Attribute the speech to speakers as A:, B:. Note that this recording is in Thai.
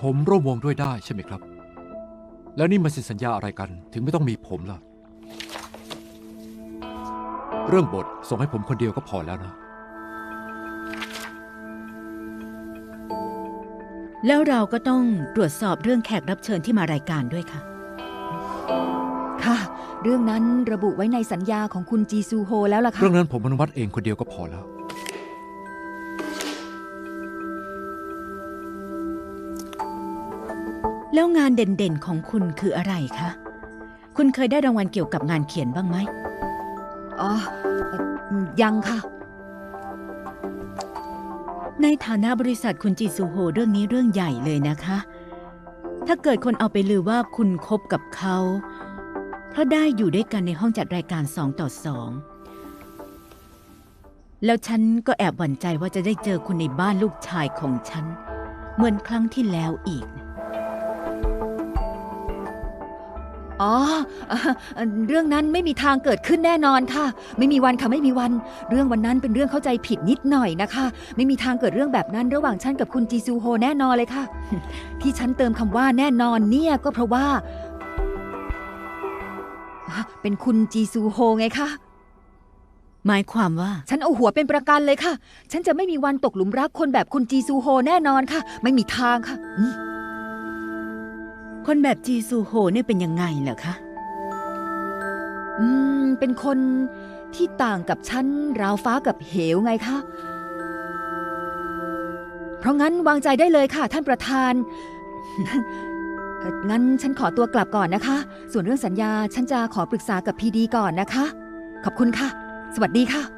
A: ผมร่วมวงด้วยได้ใช่ไหมครับแล้วนี่มาเซ็นสัญญาอะไรกันถึงไม่ต้องมีผมล่ะเรื่องบทส่งให้ผมคนเดียวก็พอแล้วนะ
B: แล้วเราก็ต้องตรวจสอบเรื่องแขกรับเชิญที่มารายการด้วยค่ะ
C: ค่ะเรื่องนั้นระบุไว้ในสัญญาของคุณจีซูโฮแล้วล่ะค่ะ
A: เรื่องนั้นผมอนุมัติเองคนเดียวก็พอแล้ว
B: แล้วงานเด่นๆของคุณคืออะไรคะคุณเคยได้รางวัลเกี่ยวกับงานเขียนบ้างไหม
C: อ๋อยังค่ะ
B: ในฐานะบริษัทคุณจีซูโฮเรื่องนี้เรื่องใหญ่เลยนะคะ ถ้าเกิดคนเอาไปลือว่าคุณคบกับเขาเพราะได้อยู่ด้วยกันในห้องจัดรายการ2 ต่อ 2แล้วฉันก็แอบหวั่นใจว่าจะได้เจอคุณในบ้านลูกชายของฉันเหมือนครั้งที่แล้วอีก
C: อ๋อเรื่องนั้นไม่มีทางเกิดขึ้นแน่นอนค่ะไม่มีวันค่ะไม่มีวันเรื่องวันนั้นเป็นเรื่องเข้าใจผิดนิดหน่อยนะคะไม่มีทางเกิดเรื่องแบบนั้นระหว่างฉันกับคุณจีซูโฮแน่นอนเลยค่ะ ที่ฉันเติมคำว่าแน่นอนเนี่ยก็เพราะว่าเป็นคุณจีซูโฮไงคะ
B: หมายความว่า
C: ฉันเอาหัวเป็นประกันเลยค่ะฉันจะไม่มีวันตกหลุมรักคนแบบคุณจีซูโฮแน่นอนค่ะไม่มีทางค่ะ
B: คนแบบจีซูโฮเนี่ยเป็นยังไงเหรอคะ
C: เป็นคนที่ต่างกับฉันราวฟ้ากับเหวไงคะเพราะงั้นวางใจได้เลยค่ะท่านประธาน งั้นฉันขอตัวกลับก่อนนะคะส่วนเรื่องสัญญาฉันจะขอปรึกษากับพีดีก่อนนะคะขอบคุณค่ะสวัสดีค่ะ